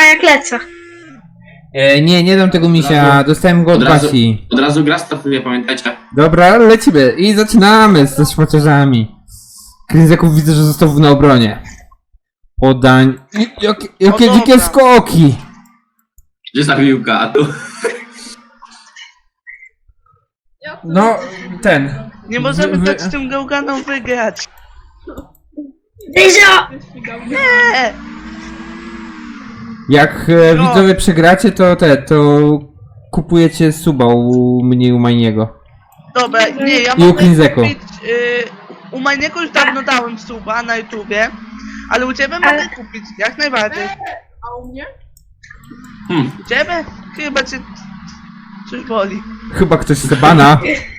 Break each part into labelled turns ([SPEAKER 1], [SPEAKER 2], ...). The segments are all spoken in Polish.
[SPEAKER 1] Pa jak lecę.
[SPEAKER 2] Nie dam tego misia, dostałem go od Basi.
[SPEAKER 3] Od razu gra startuje, pamiętajcie.
[SPEAKER 2] Dobra, lecimy i zaczynamy ze szmaciarzami. Kryzeków widzę, że został na obronie. Podań. Jakie
[SPEAKER 4] No
[SPEAKER 2] dzikie
[SPEAKER 4] dobra.
[SPEAKER 2] skoki!
[SPEAKER 3] Gdzie jest ta piłka? A tu.
[SPEAKER 2] No, ten.
[SPEAKER 4] Nie możemy
[SPEAKER 2] Wy-
[SPEAKER 4] tak z tym gałganą wygrać.
[SPEAKER 1] Dyzio!
[SPEAKER 4] Nie!
[SPEAKER 2] Jak
[SPEAKER 4] No.
[SPEAKER 2] widzowie przegracie, to kupujecie suba u mnie i u Majniego.
[SPEAKER 4] Dobra, nie, ja
[SPEAKER 2] I u
[SPEAKER 4] mogę
[SPEAKER 2] Klinzeko.
[SPEAKER 4] kupić... u Majniego już dawno dałem suba na YouTubie, ale u ciebie mogę kupić, jak najbardziej.
[SPEAKER 5] A u mnie?
[SPEAKER 4] U ciebie? Chyba cię... coś boli.
[SPEAKER 2] Chyba ktoś chce bana.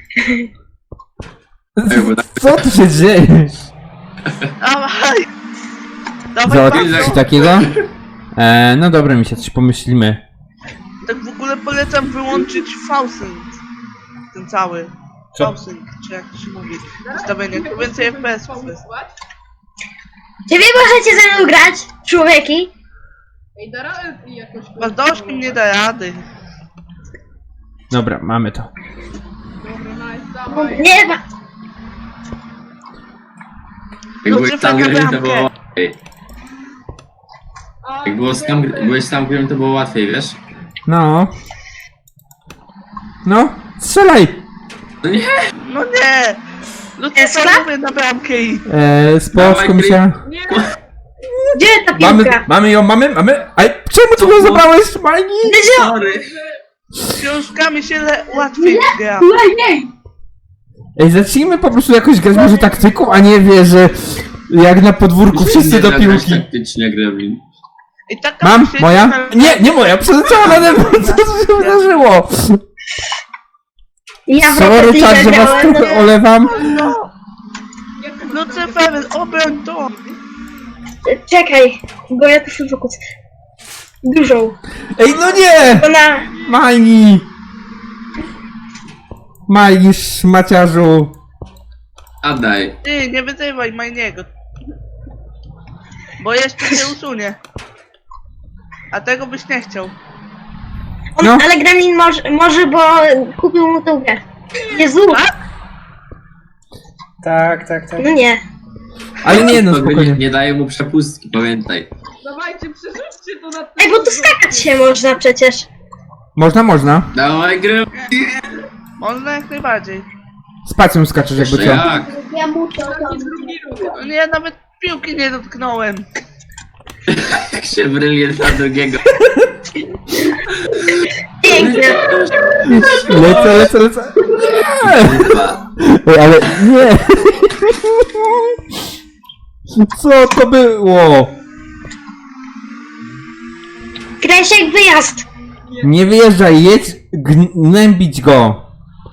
[SPEAKER 2] Co tu się dzieje?
[SPEAKER 4] Dawaj! Dawaj,
[SPEAKER 2] Załatwić
[SPEAKER 4] Paweł.
[SPEAKER 2] takiego? No dobra, mi się coś pomyślimy.
[SPEAKER 4] Tak w ogóle polecam wyłączyć Fausync. Ten cały.
[SPEAKER 2] Co?
[SPEAKER 4] Fausync, czy jak to się mówi. Ustawienie, to więcej FPS-ów jest.
[SPEAKER 1] Czy wy możecie ze mną grać, człowieki?
[SPEAKER 5] Ej, da radę jakoś...
[SPEAKER 4] Bardoszkiem nie da rady.
[SPEAKER 2] Dobra, mamy to.
[SPEAKER 5] Dobra, nice, dawaj.
[SPEAKER 1] Nie ma.
[SPEAKER 3] Jak
[SPEAKER 4] No,
[SPEAKER 3] byłeś
[SPEAKER 4] cyfra
[SPEAKER 3] tam
[SPEAKER 4] na
[SPEAKER 3] grym, to
[SPEAKER 4] bramkę.
[SPEAKER 3] było łatwiej.
[SPEAKER 5] A,
[SPEAKER 3] Jak byłeś tam grym, to było łatwiej, wiesz?
[SPEAKER 2] No. No, strzelaj!
[SPEAKER 3] No nie!
[SPEAKER 4] No nie! Lucyfer mówię na bramkę i...
[SPEAKER 2] Spoczko
[SPEAKER 3] Dawaj,
[SPEAKER 2] misia.
[SPEAKER 5] nie,
[SPEAKER 1] Gdzie ta
[SPEAKER 2] Mamy,
[SPEAKER 1] piłka?
[SPEAKER 2] mamy ją, mamy? Aj, czemu tu go zabrałeś, Majni?
[SPEAKER 1] Dyzio!
[SPEAKER 3] Sorry!
[SPEAKER 4] Z książkami się łatwiej gra.
[SPEAKER 2] Ej, zacznijmy po prostu jakoś grać może taktyką, a nie wie, że jak na podwórku wszyscy do piłki.
[SPEAKER 3] Taktycznie, Gremlin.
[SPEAKER 4] I taka
[SPEAKER 2] Mam?
[SPEAKER 4] sieć
[SPEAKER 2] Moja?
[SPEAKER 4] na-
[SPEAKER 2] Nie moja, przeleciała nade mną, co tu się wydarzyło?
[SPEAKER 1] Ja w
[SPEAKER 2] Sorry,
[SPEAKER 1] Rocket
[SPEAKER 2] tak,
[SPEAKER 1] League
[SPEAKER 2] że was
[SPEAKER 1] grałem,
[SPEAKER 2] trochę olewam.
[SPEAKER 4] No!
[SPEAKER 5] jak to
[SPEAKER 4] Lucyfer, obroń to!
[SPEAKER 1] Czekaj, bo ja tu się fokus. Dużą.
[SPEAKER 2] Ej, no nie!
[SPEAKER 1] Ona...
[SPEAKER 2] Majni! Majni, szmaciarzu.
[SPEAKER 3] Oddaj.
[SPEAKER 4] Ty, nie wyzywaj Majniego. Bo jeszcze się usunie. A tego byś nie chciał.
[SPEAKER 1] On,
[SPEAKER 2] No.
[SPEAKER 1] Ale Gremlin może, bo kupił mu tą grę. Jezu!
[SPEAKER 2] Tak.
[SPEAKER 1] No nie.
[SPEAKER 2] Ale nie, no
[SPEAKER 3] To
[SPEAKER 2] spokojnie.
[SPEAKER 3] nie daje mu przepustki, pamiętaj.
[SPEAKER 5] Dawajcie, przerzućcie to na
[SPEAKER 1] Ej, bo tu skakać się można przecież.
[SPEAKER 2] Można.
[SPEAKER 3] Dawaj, Gremlin!
[SPEAKER 4] Można jak najbardziej.
[SPEAKER 2] Spacją skaczesz jakby
[SPEAKER 3] Jeszcze
[SPEAKER 2] co.
[SPEAKER 3] jak?
[SPEAKER 5] taki drugi ruch.
[SPEAKER 4] No nie, ja nawet piłki nie dotknąłem.
[SPEAKER 3] Jak się brylie na drugiego.
[SPEAKER 1] Piękne.
[SPEAKER 2] Lecę.
[SPEAKER 3] Kurwa.
[SPEAKER 2] Ej, ale nie. Co to było?
[SPEAKER 1] Kresiek, wyjazd.
[SPEAKER 2] Nie wyjeżdżaj, jedź gnębić go.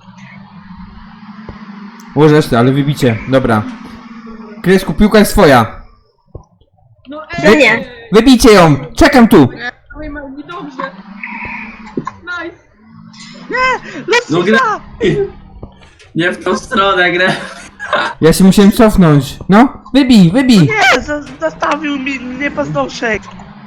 [SPEAKER 2] Łożesz ty, ale wybicie. Dobra. Kresku, piłka jest twoja.
[SPEAKER 5] No
[SPEAKER 1] No nie.
[SPEAKER 2] Wybijcie ją! Czekam tu!
[SPEAKER 5] Dawaj, Małgi, dobrze. Nice.
[SPEAKER 3] No gra... Nie w tą stronę, grę.
[SPEAKER 2] Ja się musiałem cofnąć. No, wybij!
[SPEAKER 4] Nie, zastawił mi mnie paznokciek.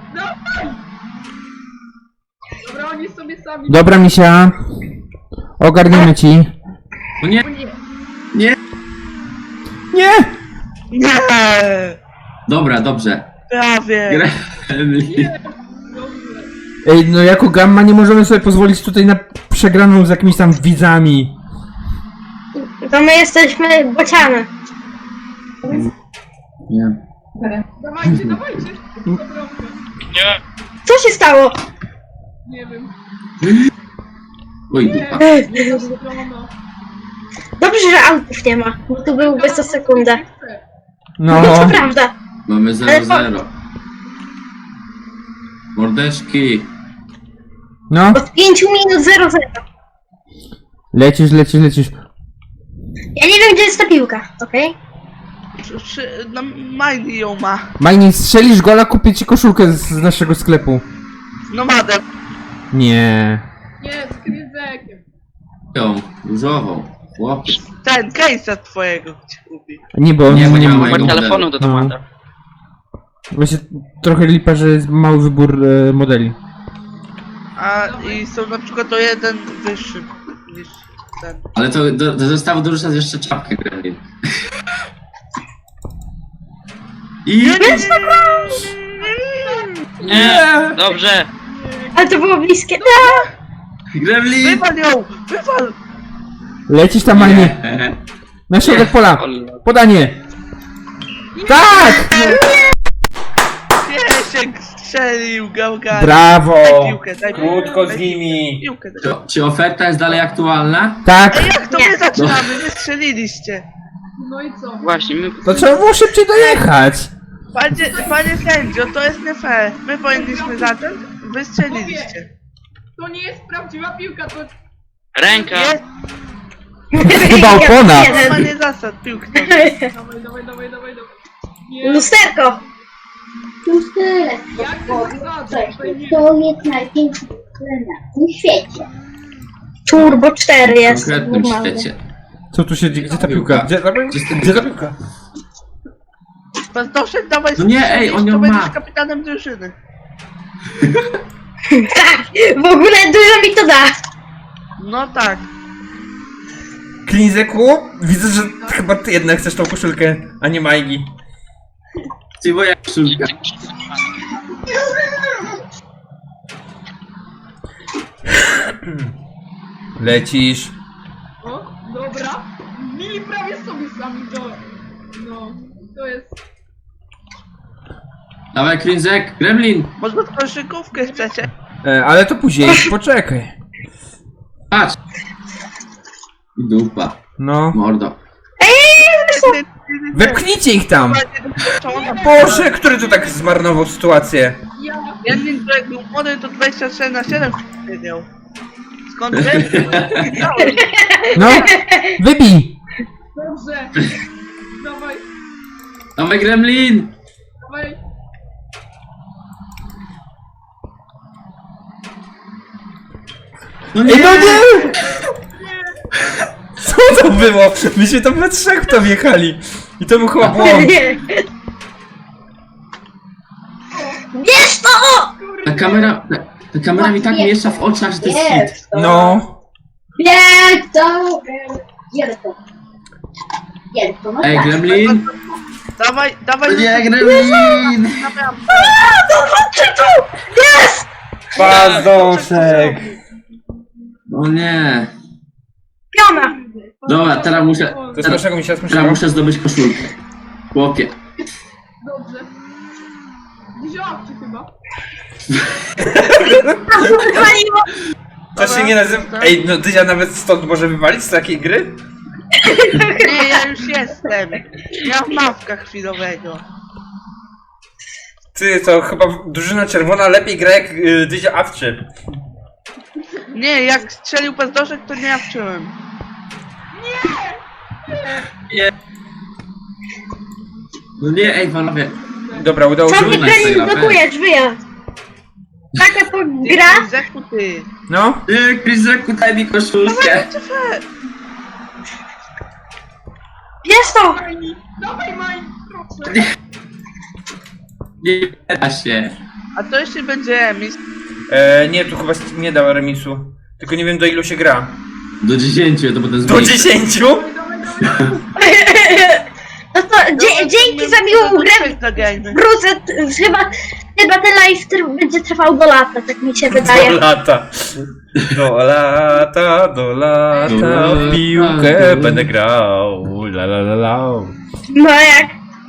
[SPEAKER 5] Dobra, oni sobie sami...
[SPEAKER 2] Dobra, misia. Ogarniemy ci.
[SPEAKER 3] No nie. Nie.
[SPEAKER 2] Nie!
[SPEAKER 4] Nie!
[SPEAKER 3] Dobra, dobrze.
[SPEAKER 4] Prawie.
[SPEAKER 3] Gremlin.
[SPEAKER 2] Ej, no jako gamma nie możemy sobie pozwolić tutaj na przegraną z jakimiś tam widzami.
[SPEAKER 1] To my jesteśmy bociany.
[SPEAKER 3] Nie.
[SPEAKER 5] Dawajcie. Dobra,
[SPEAKER 1] Co się stało?
[SPEAKER 5] nie wiem.
[SPEAKER 3] Oj, dupa.
[SPEAKER 5] Strona.
[SPEAKER 1] Dobrze, że autów nie ma, bo tu byłby co sekundę.
[SPEAKER 2] No.
[SPEAKER 1] No to prawda.
[SPEAKER 3] Mamy 0-0. Mordeczki.
[SPEAKER 2] No.
[SPEAKER 1] Od 5 minut 0-0.
[SPEAKER 2] Lecisz.
[SPEAKER 1] Ja nie wiem, gdzie jest ta piłka, okej?
[SPEAKER 4] No, Majni ją ma.
[SPEAKER 2] Majni, strzelisz gola, kupię ci koszulkę z naszego sklepu.
[SPEAKER 4] No madem.
[SPEAKER 2] Nie.
[SPEAKER 5] Nie, z Kryzekiem.
[SPEAKER 3] Ją, różową. Chłopiec.
[SPEAKER 4] Ten case'a twojego ci kupi.
[SPEAKER 2] Nie, bo
[SPEAKER 3] Nie, bo nie ma
[SPEAKER 2] ma-
[SPEAKER 3] mojego
[SPEAKER 6] Numer telefonu do
[SPEAKER 2] No.
[SPEAKER 6] Tomata.
[SPEAKER 2] Właśnie trochę lipa, że jest mały wybór modeli.
[SPEAKER 4] A i są na przykład to jeden wyższy niż ten.
[SPEAKER 3] Ale to do zestawu dorzucasz jeszcze czapkę Gremlin. I...
[SPEAKER 6] Nie, dobrze.
[SPEAKER 1] Ale to było bliskie.
[SPEAKER 3] Gremlin!
[SPEAKER 4] Wywal ją! Wywal!
[SPEAKER 2] Lecisz tam, a nie. Na środek pola. Podanie. Tak!
[SPEAKER 4] Piesiek strzelił, gałgany.
[SPEAKER 2] Brawo!
[SPEAKER 4] Daj piłkę, daj piłkę.
[SPEAKER 2] Krótko z
[SPEAKER 4] daj
[SPEAKER 2] nimi.
[SPEAKER 4] Piłkę, daj.
[SPEAKER 3] Czy oferta jest dalej aktualna?
[SPEAKER 2] Tak!
[SPEAKER 4] Ej, jak to
[SPEAKER 1] Nie.
[SPEAKER 4] my zaczynamy? Wy strzeliliście.
[SPEAKER 5] No i co?
[SPEAKER 6] Właśnie, my...
[SPEAKER 2] To trzeba było szybciej dojechać.
[SPEAKER 4] Panie sędzio, to jest nie fair. My powinniśmy zacząć, wy strzeliliście.
[SPEAKER 5] To nie jest prawdziwa piłka, to...
[SPEAKER 6] Ręka.
[SPEAKER 4] Jest
[SPEAKER 2] Chyba opona.
[SPEAKER 4] łamanie zasad piłki.
[SPEAKER 5] Dawaj. Nie,
[SPEAKER 1] Lusterko.
[SPEAKER 7] Już tyle
[SPEAKER 5] jak ty
[SPEAKER 7] powiem.
[SPEAKER 5] zasadzasz? Tutaj nie...
[SPEAKER 7] To jest największy problem na tym świecie.
[SPEAKER 1] Turbo 4
[SPEAKER 3] W
[SPEAKER 1] jest.
[SPEAKER 3] konkretnym
[SPEAKER 1] normalny.
[SPEAKER 3] świecie.
[SPEAKER 2] Co tu się dzieje? Gdzie ta piłka? Gdzie ta piłka?
[SPEAKER 4] Bartoszek, dawaj
[SPEAKER 3] No nie, ej, on
[SPEAKER 4] to
[SPEAKER 3] ją
[SPEAKER 4] będziesz
[SPEAKER 3] ma.
[SPEAKER 4] kapitanem drużyny.
[SPEAKER 1] Tak, w ogóle dużo mi to da.
[SPEAKER 4] No tak.
[SPEAKER 2] Klinzeku, widzę, że chyba ty jednak chcesz tą koszulkę, a nie Majgi.
[SPEAKER 3] Ty moja koszulka.
[SPEAKER 2] Lecisz.
[SPEAKER 5] O, dobra. Mili prawie sobie sami do... No, to jest...
[SPEAKER 3] Dawaj Krinzek, Gremlin!
[SPEAKER 4] Może koszykówkę chcecie?
[SPEAKER 2] Ale to później, poczekaj.
[SPEAKER 3] Patrz! I dupa,
[SPEAKER 2] No.
[SPEAKER 3] mordo.
[SPEAKER 2] Wepchnijcie ich tam! Boże, który tu tak zmarnował sytuację?
[SPEAKER 5] Ja...
[SPEAKER 4] Jeden, jak był młody, to 24/7 siedział. Skąd wiesz?
[SPEAKER 2] No, wybij!
[SPEAKER 5] Dobrze. Dawaj.
[SPEAKER 3] Dawaj Gremlin! No nie!
[SPEAKER 2] Ej, no nie! Co to było? Myśmy tam we trzech w to wjechali. I to był chyba błąd.
[SPEAKER 1] Nie. Bierz to!
[SPEAKER 3] Ta kamera mi tak miesza w oczach, że to jest hit.
[SPEAKER 7] Jest to.
[SPEAKER 2] No.
[SPEAKER 7] Jest to. Jest to. Jest to. No
[SPEAKER 3] Ej
[SPEAKER 7] tak.
[SPEAKER 3] Gremlin!
[SPEAKER 4] Dawaj,
[SPEAKER 3] No
[SPEAKER 4] dawaj.
[SPEAKER 3] nie, Gremlin!
[SPEAKER 1] Zobaczcie tu! Jest!
[SPEAKER 2] Pazdąszek.
[SPEAKER 3] O nie.
[SPEAKER 1] Piona!
[SPEAKER 3] Dobra, teraz muszę...
[SPEAKER 2] To jest naszego mi się
[SPEAKER 3] Teraz
[SPEAKER 2] słyszałem.
[SPEAKER 3] muszę zdobyć koszulkę. Chłopie.
[SPEAKER 5] Dobrze. Wziąłam cię chyba.
[SPEAKER 1] Wywaliło!
[SPEAKER 2] To się nie nazywa... Ej, no Dyzia nawet stąd może wywalić z takiej gry?
[SPEAKER 4] Nie, ja już jestem. Ja w mawkach chwilowego.
[SPEAKER 2] Ty, to chyba drużyna czerwona lepiej gra jak Dyzia awczy.
[SPEAKER 4] Nie, jak strzelił Bartoszek, to nie jawczyłem.
[SPEAKER 3] No nie, ej panowie.
[SPEAKER 2] Dobra, udało
[SPEAKER 1] Co
[SPEAKER 2] się.
[SPEAKER 1] mi Gremlin blokujesz, wyjazd? Taka to gra?
[SPEAKER 4] Zeku ty.
[SPEAKER 2] No.
[SPEAKER 3] Nie, Krinzeku, daj mi koszulkę.
[SPEAKER 4] Czy fair?
[SPEAKER 1] Bierz to!
[SPEAKER 5] Dawaj, Maj, proszę.
[SPEAKER 3] Nie da się.
[SPEAKER 4] A to jeszcze będzie emis.
[SPEAKER 2] Nie, tu chyba nie dała remisu. Tylko nie wiem do ilu się gra.
[SPEAKER 3] Do 10, to potem
[SPEAKER 2] Do
[SPEAKER 3] zmniejszę.
[SPEAKER 2] 10?
[SPEAKER 1] No to dzięki za miłą grę
[SPEAKER 4] Zagrajmy.
[SPEAKER 1] wrócę, chyba ten live będzie trwał do lata, tak mi się
[SPEAKER 2] Do
[SPEAKER 1] wydaje.
[SPEAKER 2] lata. Do lata, do lata. W piłkę będę grał. La la la la.
[SPEAKER 1] No jak?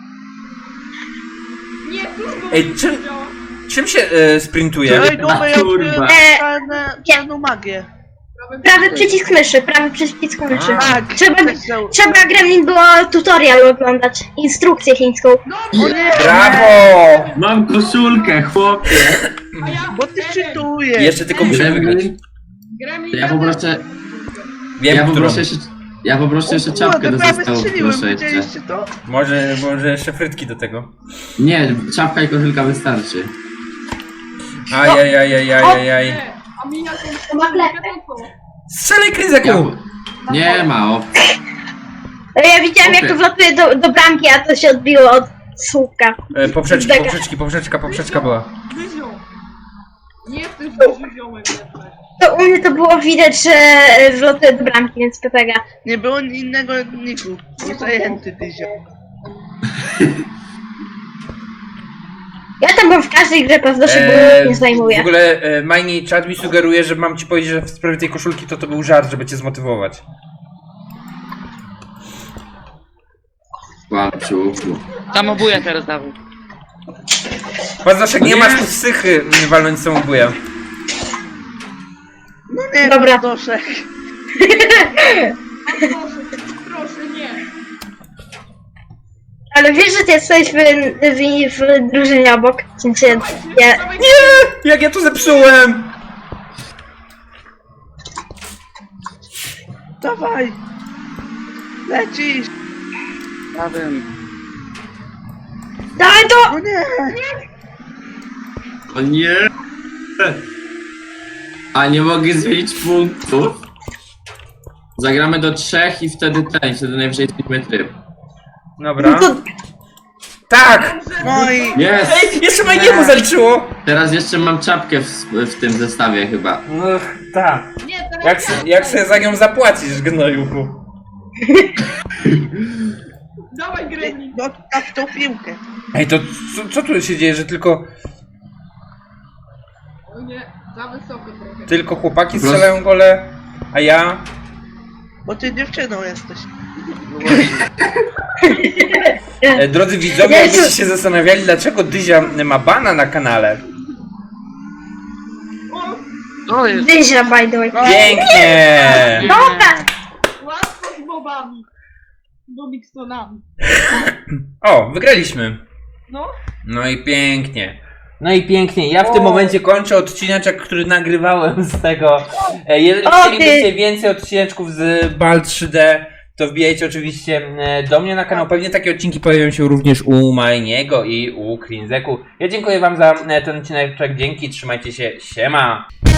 [SPEAKER 5] Nie, turbo.
[SPEAKER 2] Ej, czym się sprintuje?
[SPEAKER 4] Ej, dobra, ja
[SPEAKER 3] Kurwa.
[SPEAKER 4] odkryłem czarną magię.
[SPEAKER 1] Prawy przycisk myszy, prawy przycisk myszy.
[SPEAKER 4] Tak,
[SPEAKER 1] Trzeba Gremlin było tutorial oglądać, instrukcję chińską.
[SPEAKER 4] O nie!
[SPEAKER 2] Brawo!
[SPEAKER 3] Mam koszulkę, chłopie.
[SPEAKER 5] A ja...
[SPEAKER 4] Bo ty czytujesz.
[SPEAKER 2] Jeszcze tylko muszę wygrać.
[SPEAKER 5] Gremlin...
[SPEAKER 3] Ja poproszę,
[SPEAKER 2] Wiem,
[SPEAKER 3] ja
[SPEAKER 2] którą.
[SPEAKER 3] poproszę jeszcze, ja poproszę jeszcze czapkę do
[SPEAKER 4] prawie
[SPEAKER 3] zestawu,
[SPEAKER 4] strzeliłem,
[SPEAKER 3] proszę jeszcze.
[SPEAKER 4] widzieliście to?
[SPEAKER 2] Może jeszcze frytki do tego.
[SPEAKER 3] Nie, czapka i koszulka wystarczy.
[SPEAKER 2] Ajajajajajajaj.
[SPEAKER 5] Nie, a mi jakąś...
[SPEAKER 7] To ma klepę.
[SPEAKER 5] To co?
[SPEAKER 2] Strzelaj Kryzeku!
[SPEAKER 3] Nie ma opcji.
[SPEAKER 1] Ja widziałem jak to wlatuje do bramki, a to się odbiło od słupka.
[SPEAKER 2] Poprzeczka była.
[SPEAKER 5] Dyzio. Nie jesteś duży ziomek jednak.
[SPEAKER 1] To u mnie to było widać, że wlotuje do bramki, więc Pepega.
[SPEAKER 4] Nie było innego niku. Był zajęty Dyzio.
[SPEAKER 1] Ja tam byłem w każdej grze, prawda, się nie
[SPEAKER 2] W
[SPEAKER 1] zajmuję.
[SPEAKER 2] ogóle Majni, czat mi sugeruje, że mam ci powiedzieć, że w sprawie tej koszulki to był żart, żeby cię zmotywować.
[SPEAKER 3] Kłamczuchu.
[SPEAKER 6] Samobuja teraz dawaj.
[SPEAKER 2] Pazaszek, nie masz tu psychy walnąć samobuja.
[SPEAKER 4] No nie,
[SPEAKER 1] Dobra.
[SPEAKER 4] Doszek.
[SPEAKER 5] Proszę, nie.
[SPEAKER 1] Ale wiesz, że ty jesteś w drużynie obok? W sensie, ja...
[SPEAKER 5] Dawaj,
[SPEAKER 2] Jak ja to zepsułem!
[SPEAKER 4] Dawaj. Lecisz.
[SPEAKER 6] Ja wiem.
[SPEAKER 1] Dawaj to!
[SPEAKER 4] No nie.
[SPEAKER 3] O nie! A nie mogę zmienić punktów. Zagramy do 3 i wtedy wtedy najwyżej zmienimy tryb.
[SPEAKER 2] Dobra.
[SPEAKER 1] No to...
[SPEAKER 2] Tak!
[SPEAKER 4] No i...
[SPEAKER 3] Jest!
[SPEAKER 2] Jeszcze Majniemu zaliczyło!
[SPEAKER 3] Teraz jeszcze mam czapkę w tym zestawie chyba.
[SPEAKER 2] No, tak.
[SPEAKER 5] nie, teraz
[SPEAKER 2] Jak sobie za nią zapłacisz, gnojuchu?
[SPEAKER 5] Dawaj, Gremlin.
[SPEAKER 4] No tak tą piłkę.
[SPEAKER 2] Ej, to co tu się dzieje, że
[SPEAKER 5] O nie, za wysoko trochę.
[SPEAKER 2] tylko chłopaki strzelają gole, a ja...
[SPEAKER 4] Bo ty dziewczyną jesteś.
[SPEAKER 2] Drodzy widzowie, jakbyście się zastanawiali, dlaczego Dyzia ma bana na kanale.
[SPEAKER 5] O,
[SPEAKER 6] To jest.
[SPEAKER 1] Dyzia, by the way.
[SPEAKER 2] Pięknie!
[SPEAKER 1] Dobra!
[SPEAKER 5] łatwo z bobami. Bobixtonami.
[SPEAKER 2] O, wygraliśmy.
[SPEAKER 5] No.
[SPEAKER 2] No i pięknie. No i pięknie. Ja w tym momencie kończę odcineczek, który nagrywałem z tego. Jeżeli chcielibyście więcej odcineczków z Bal 3D, to wbijajcie oczywiście do mnie na kanał. Pewnie takie odcinki pojawią się również u Majniego i u Krinzeku. Ja dziękuję wam za ten odcineczek. Dzięki, trzymajcie się. Siema!